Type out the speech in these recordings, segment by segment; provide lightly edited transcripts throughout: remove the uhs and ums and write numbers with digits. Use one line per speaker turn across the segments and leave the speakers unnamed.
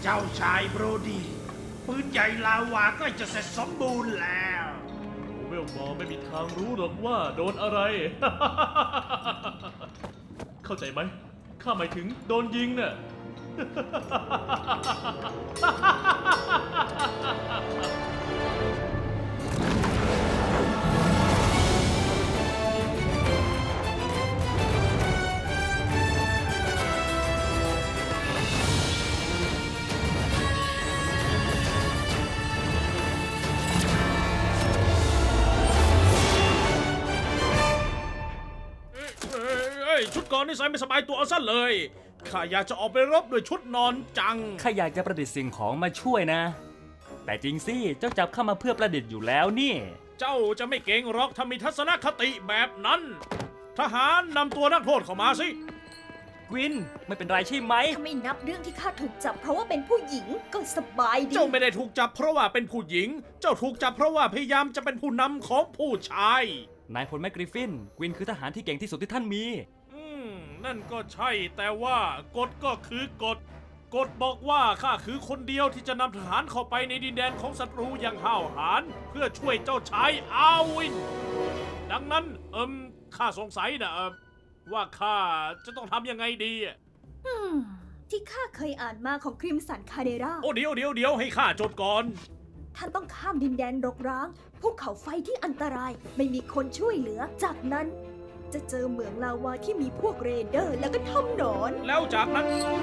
จ้าชายโบรดีปืนใหญ่ลาวาใกล้จะเสร็จสมบูรณ์แล้ว
เวลมอร์ไม่มีทางรู้หรอกว่าโดนอะไร เข้าใจไหมข้าหมายถึงโดนยิงน่ะ
ชุดก่อนนี่ใส่ไม่สบายตัวเอาซะเลยข้าอยากจะออกไปรบด้วยชุดนอนจัง
ข้าอยากจะประดิษฐ์สิ่งของมาช่วยนะ แต่จริงสิ เจ้าจับเข้ามาเพื่อประดิษฐ์อยู่แล้วนี่
เจ้าจะไม่เก่งหรอกถ้ามีทัศนคติแบบนั้น ทหารนำตัวนักโทษเข้ามาสิ
กวินไม่เป็นไรใช่ไหม
ถ้าไม่นับเรื่องที่ข้าถูกจับเพราะว่าเป็นผู้หญิงก็สบายดี
เจ้าไม่ได้ถูกจับเพราะว่าเป็นผู้หญิง เจ้าถูกจับเพราะว่าพยายามจะเป็นผู้นำของผู้ชาย
นายพลแมกกริฟฟิน กวินคือทหารที่เก่งที่สุดที่ท่านมี
นั่นก็ใช่แต่ว่ากฎก็คือกฎ กฎบอกว่าข้าคือคนเดียวที่จะนำทหารเข้าไปในดินแดนของศัตรูอย่างห้าวหาญเพื่อช่วยเจ้าชายอาวิน ดังนั้นข้าสงสัยนะว่าข้าจะต้องทำยังไงดี
ที่ข้าเคยอ่านมาของคริมสันคาเดรา
โอ้เดี๋ยวให้ข้าจดก่อน
ท่านต้องข้ามดินแดนรกร้างภูเขาไฟที่อันตรายไม่มีคนช่วยเหลือ จากนั้นจะเจอเหมืองลาวาที่มีพวกเรเดอร์แล้วก็ถ้ำหนอน
แล้วจากนั้น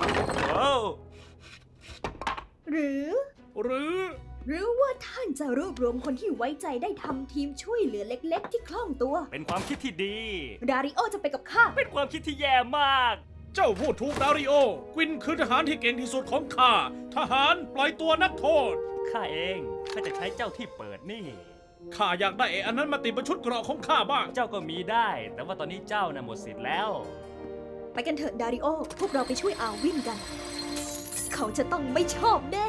หรือ
หรือ
ว่าท่านจะรวบรวมคนที่ไว้ใจได้ทำทีมช่วยเหลือเล็กๆ ที่คล่องตัว
เป็นความคิดที่ดี
ดาริโอจะไปกับข้า
เป็นความคิดที่แย่มาก
เจ้าพูดถูกดาริโอ กวินคือทหารที่เก่งที่สุดของข้า ทหารปล่อยตัวนักโทษ
ข้าเองข้าจะใช้เจ้าที่เปิดนี่
ข้าอยากได้อันนั้นมาติดบนชุดเกราะของข้าบ้าง
เจ้าก็มีได้ แต่ว่าตอนนี้เจ้าน่ะหมดสิทธิ์แล้ว
ไปกันเถอะดาริโอ พวกเราไปช่วยอาวินกัน เขาจะต้องไม่ชอบแน่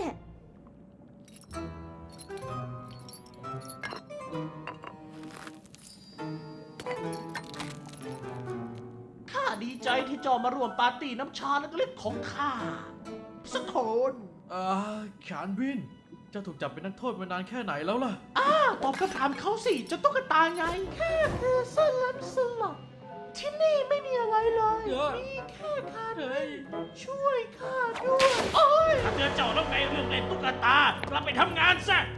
ข้าดีใจที่เจ้ามาร่วมปาร์ตี้น้ำชาเล็กๆของข้าสักคน
ขานวิน เจ้าถูกจับเป็นนักโทษมานานแค่ไหนแล้วล่ะ
ตอบคำถามเขาสิจะตุ๊กตาไงแค่คือสลัมสลับที่นี่ไม่มีอะไรเลย มีแค่ข้าเลยช่วยข้าด้วยโอ้ยถ้าเตือนเจ้าแล้วไงเรื่องเล่นตุ๊กตากลับไปทำงานซะ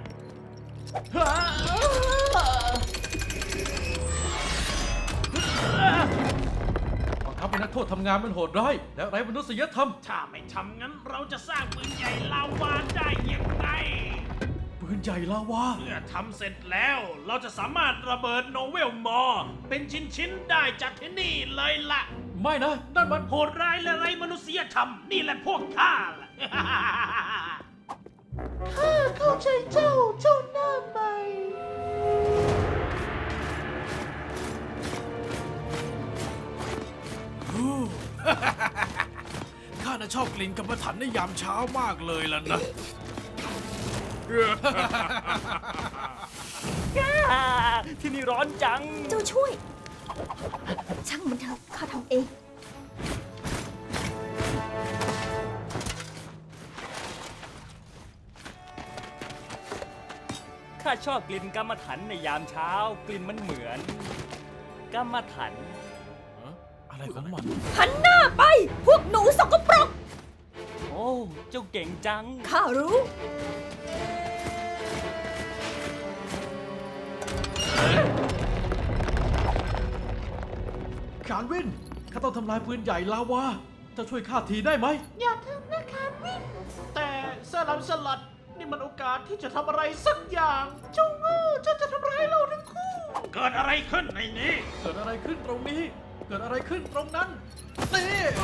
บังคับให้นักโทษทำงานมันโหดร้ายและไร้มนุษยธรรม
ถ้าไม่ทำงั้นเราจะสร้างปืนใหญ่ลาวาได้ยังไง
ปืนใหญ่ลาวา
เมื่อทำเสร็จแล้ว เราจะสามารถระเบิดโนเวลมอร์เป็นชิ้นๆได้จากที่นี่เลยล่ะ
ไม่นะ นั่นมัน
โหดร้ายและไร้มนุษยธรรม นี่แหละพวกข้าล่ะ ข้าเข้าใจเจ้าหน้าใหม่
ข้าน่ะชอบกลิ่นกรรมฐานในยามเช้ามากเลยล่ะนะ
ที่นี่ร้อนจัง
เจ้าช่วย ช่างมันเถอะข้าทำเอง
ข้าชอบกลิ่นกรรมฐานในยามเช้า กลิ่นมันเหมือนกรรมฐาน
อะไรของมัน
หันหน้าไป พวกหนูสกปรก
โอ้ เจ้าเก่งจัง
ข้ารู้
ขานวิน ข้าต้องทำลายปืนใหญ่ลาวา เจ้าช่วยข้าทีได้ไหม
อย่าทำนะคะวิน แต่สลัมสลัดนี่มันโอกาสที่จะทำอะไรสักอย่างเจ้าโง่เจ้าจะทำร้ายเราทั้งคู่ เกิดอะไรขึ้นในนี้
เกิดอะไรขึ้นตรงนี้ เกิดอะไรขึ้นตรงนั้นนี่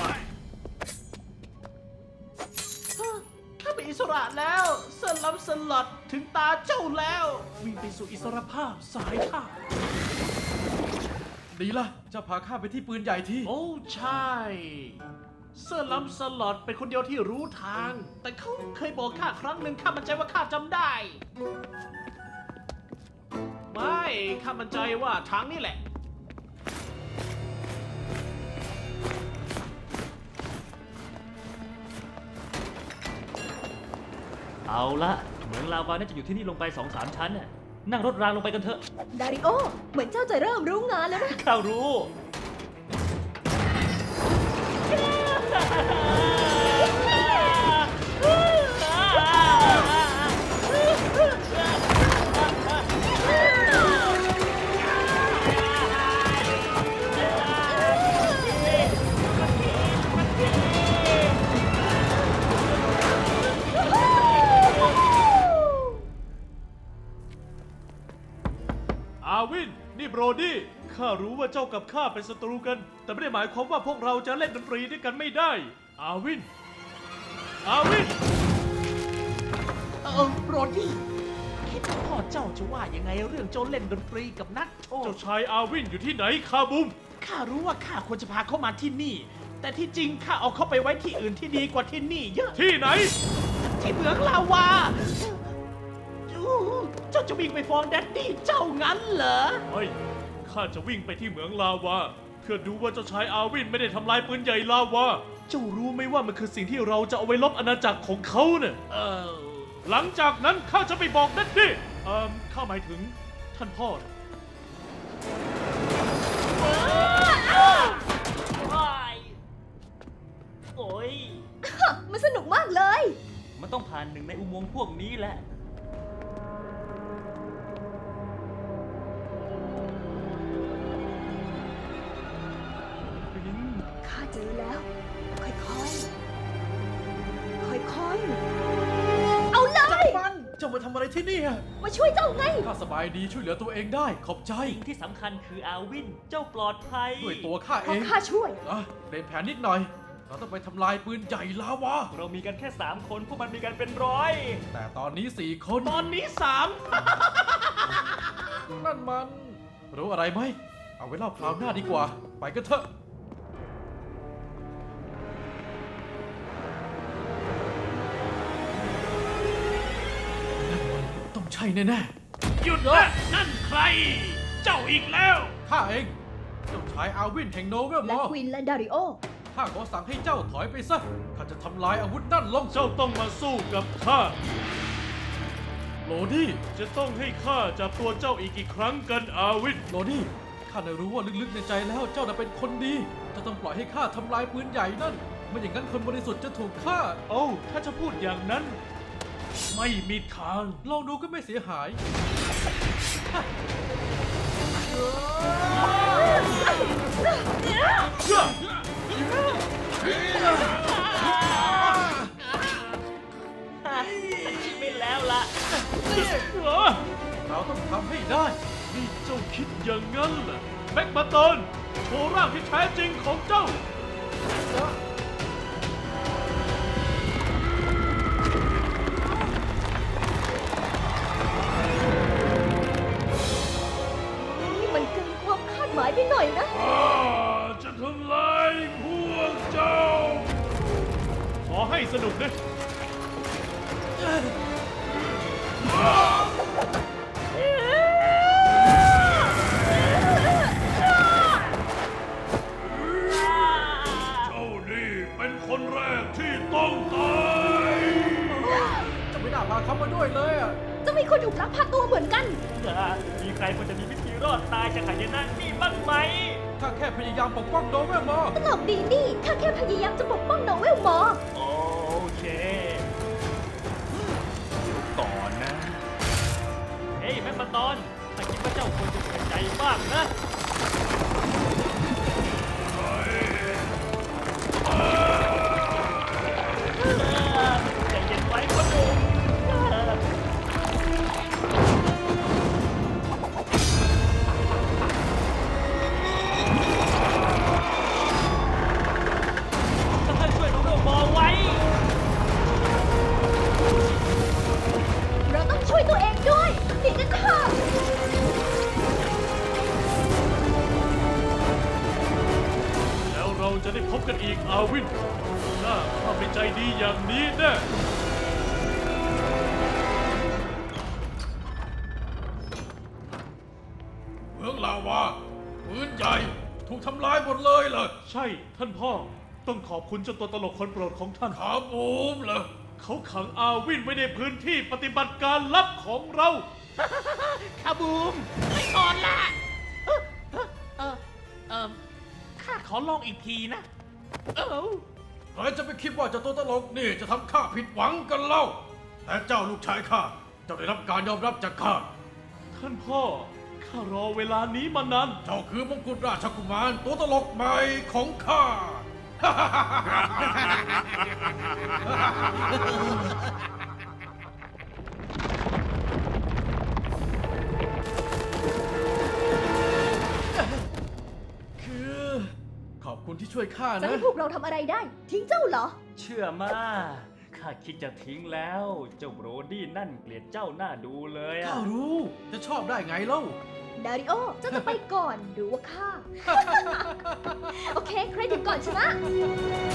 ข้าเป็นอิสระแล้วสลัมสลัดถึงตาเจ้าแล้ววิ่งไปสู่อิสรภาพสายข้า
ดีละจะพาข้าไปที่ปืนใหญ่ที่
โอ้ใช่เซอร์ลัมสลอดเป็นคนเดียวที่รู้ทาง แต่เขาเคยบอกข้าครั้งหนึ่งข้ามั่นใจว่าข้าจำได้ ไม่ข้ามั่นใจว่าทางนี้แหละ
เอาละเหมืองลาวาน่าจะอยู่ที่นี่ลงไป 2-3 ชั้นน่ะนั่งรถรางลงไปกันเถอะ
ดาริโอ เหมือนเจ้าจะเริ่มรู้งานแล้วนะ
ข้ารู้
อาวิน นี่โบรดี้ ข้ารู้ว่าเจ้ากับข้าเป็นศัตรูกัน แต่ไม่ได้หมายความว่าพวกเราจะเล่นดนตรีด้วยกันไม่ได้ อาวิน อาวิน
โรดี้คิดว่าพ่อเจ้าจะว่ายังไงเรื่องเจ้าเล่นดนตรีกับนักโทษ
เจ้าชายอาวินอยู่ที่ไหนคาบุม
ข้ารู้ว่าข้าควรจะพาเขามาที่นี่ แต่ที่จริงข้าเอาเขาไปไว้ที่อื่นที่ดีกว่าที่นี่เยอะ
ที่ไหน
ที่เหมืองลาวาเจ้าจะวิ่งไปฟ้องแดดดี้เจ้างั้นเหรอ
เฮ้ย ข้าจะวิ่งไปที่เหมืองลาวา เพื่อดูว่าเจ้าชายอาวินไม่ได้ทำลายปืนใหญ่ลาวา เจ้ารู้ไหมว่ามันคือสิ่งที่เราจะเอาไว้ลบอาณาจักรของเขาเนี่ย หลังจากนั้นข้าจะไปบอกดัดดี้ข้าหมายถึงท่านพ่อนะ
โอ้ย
มันสนุกมากเลย
มันต้องผ่านหนึ่งในอุโมงค์พวกนี้แหละ
ข้าเจอแล้ว ค่อยๆ ค่อยๆ เอาเลย
เจ้ามาทำอะไรที่นี่อะ
มาช่วยเจ้าไง
ข้าสบายดีช่วยเหลือตัวเองได้ ขอบใจ
สิ่งที่สำคัญคืออาวิน เจ้าปลอดภัย
ด้วยตัวข้า
เพ
เอ
ราะ
ง
ข้าช่วย
เปลี่ยนแผนนิดหน่อย เราต้องไปทำลายปืนใหญ่ลาวา
เรามีกันแค่ 3 คน พวกมันมีกันเป็นร้อย
แต่ตอนนี้4 คน
ตอนนี้สาม
นั่นมัน รู้อะไรไหม เอาไว้เล่าคราวหน้าดีกว่า ไปกันเถอะ นั่นมันต้องใช่แน่
หยุดนะนั่นใคร เจ้าอีกแล้ว
ๆข้าเอง เจ้าชายอาวินแห่งโนเวลม
และ
อ
ควินและดาริโอ
ข้าขอสั่งให้เจ้าถอยไปซะ ข้าจะทำลายอาวุธนั่นลง
เจ้าต้องมาสู้กับข้า
โรดี้
จะต้องให้ข้าจับตัวเจ้าอีกกี่ครั้งกันอาวิน
โรดี้ ข้าได้รู้ว่าลึกๆในใจแล้วเจ้าน่ะเป็นคนดี จะต้องปล่อยให้ข้าทำลายปืนใหญ่นั่น ไม่อย่างนั้นคนบริสุทธิ์จะถูกฆ่า
โอ้ถ้าจะพูดอย่างนั้น ไม่มีทาง
ลองดูก็ไม่เสียหาย
ไม่แล้วล่ะ
เราต้องทำให้ได้
นี่เจ้าคิดอย่างนั้นเหรอแม็กมาตอนโชว์ร่างที่แท้จริงของเจ้า
นี่มันเกินความคาดหมายไปหน่อยนะ
จะทำลายพวกเจ้า ขอให้สนุกนะ เจ้านี่เป็นคนแรกที่ต้องตาย
จะไม่น่าพาเขามาด้วยเลยอ่ะ
จะมีคนถูกลักพาตัวเหมือนกัน
มีใครพอจะมีวิธีรอดตายจากหายนะนี่บ้างไหม
ข้าแค่พยายามปกป้องโนเวลมอ
ตลกดีนี่ ข้าแค่พยายามจะปกป้องโนเวลมอร์
โอเคก่อนนะ เฮ้ยแม่มาตอนถ้าคิดว่าเจ้าควรจะเสียใจบ้างนะ ใจเย็นไว้พ่อหนุ่มท่านช่วยน้องโมไว้
เราต้องช่วยตัวเองด้วยหนีกันเถอะ
แล้วเราจะได้พบกันอีกอาวินน่าข้าไม่ใจดีอย่างนี้แน่
เมืองลาวาปืนใหญ่ ถูกทำลายหมดเลยเหรอ
ใช่ท่านพ่อ ต้องขอบคุณเจ้าตัวตลกคนโปรดของท่าน
ขาบูมเหรอ
เขาขังอาวินไว้ในพื้นที่ปฏิบัติการลับของเรา
คาบูมไม่นอนละข้าขอลองอีกทีนะ
ใครจะไปคิดว่าเจ้าตัวตลกนี่จะทำข้าผิดหวังกันเล่า แต่เจ้าลูกชายข้าเจ้าได้รับการยอมรับจากข้า
ท่านพ่อ ข้ารอเวลานี้มานาน
เจ้าคือมงกุฎราชกุมารตัวตลกใหม่ของข้า คือขอบคุณที่ช่วยข้า
จะ
นะ
ให้พวกเราทำอะไรได้ ทิ้งเจ้าเหรอ
เชื่อมาข้าคิดจะทิ้งแล้ว เจ้าโบรดี้นั่นเกลียดเจ้าหน้าดูเลยอะ
ข้ารู้จะชอบได้ไงเล่า
ดาริโอ เจ้าจะไปก่อนหรือว่าข้า โอเค ใครถึงก่อนชนะ